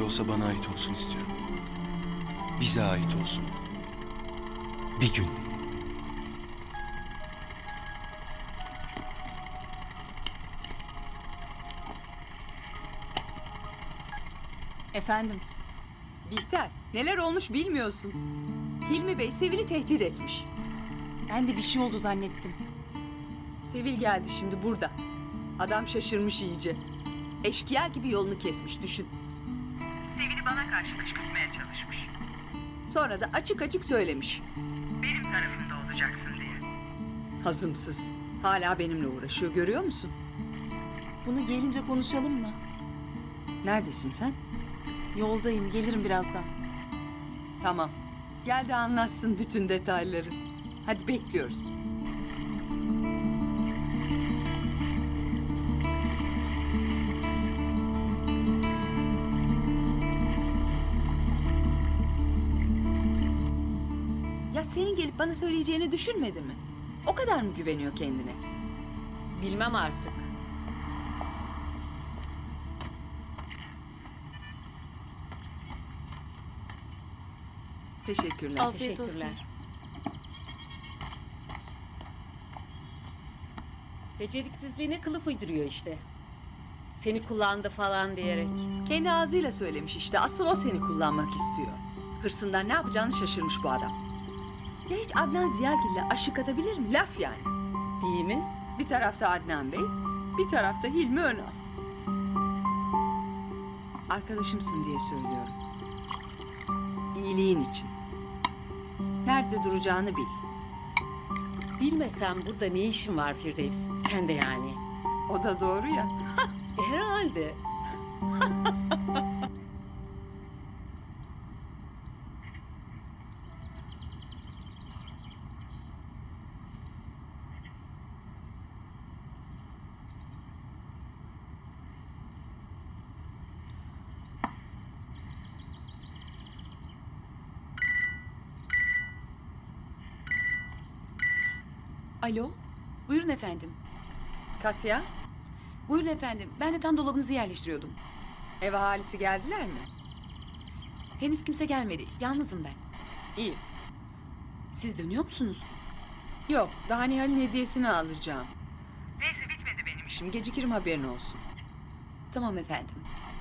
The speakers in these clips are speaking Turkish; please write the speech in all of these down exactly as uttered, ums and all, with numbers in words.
olsa bana ait olsun istiyorum. Bize ait olsun. Bir gün. Efendim, Bihter, neler olmuş bilmiyorsun. Hilmi Bey Sevil'i tehdit etmiş. ben de bir şey oldu zannettim. Sevil geldi şimdi burada. Adam şaşırmış iyice. Eşkıya gibi yolunu kesmiş, düşün. Sevil'i bana karşı kışkırtmaya çalışmış. Sonra da açık açık söylemiş. Benim tarafımda olacaksın diye. Hazımsız. Hala benimle uğraşıyor, görüyor musun? Bunu gelince konuşalım mı? Neredesin sen? Yoldayım, gelirim birazdan. Tamam. Gel de anlatsın bütün detayları. Hadi bekliyoruz. Ya senin gelip bana söyleyeceğini düşünmedi mi? O kadar mı güveniyor kendine? Bilmem artık. Teşekkürler. Afiyet olsun. Teşekkürler. Beceriksizliğine kılıf uyduruyor işte. Seni kullandı falan diyerek. Kendi ağzıyla söylemiş işte. Asıl o seni kullanmak istiyor. Hırsından ne yapacağını şaşırmış bu adam. Ya hiç Adnan Ziyagil'le aşık atabilir mi? Laf yani. Değil mi? Bir tarafta Adnan Bey, bir tarafta Hilmi Önal. Arkadaşımsın diye söylüyorum. İyiliğin için. Nerede duracağını bil. Bilmesem burada ne işin var Firdevs? Sen de yani. O da doğru ya. E, herhalde. Alo, buyurun efendim. Katya, Buyurun efendim, ben de tam dolabınızı yerleştiriyordum. ev ahalisi geldiler mi? Henüz kimse gelmedi, yalnızım ben. İyi. Siz dönüyor musunuz? Yok, daha Nihal'in hediyesini alacağım. Neyse bitmedi benim işim. Şimdi gecikirim, haberin olsun. Tamam efendim.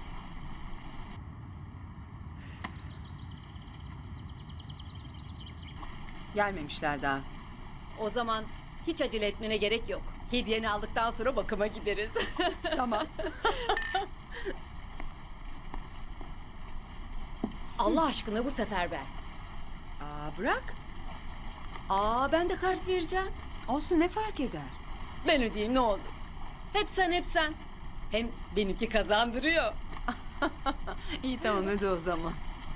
Gelmemişler daha. O zaman hiç acele etmene gerek yok. Hediyeni aldıktan sonra bakıma gideriz. Tamam. Allah aşkına bu sefer ben. Aa, bırak. Aa ben de kart vereceğim. Olsun, ne fark eder? Ben ödeyeyim ne olur. Hep sen hep sen. Hem benimki kazandırıyor. İyi tamam, hadi o zaman.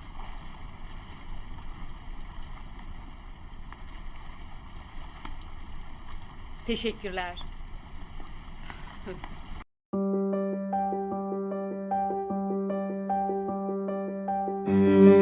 Teşekkürler. Müzik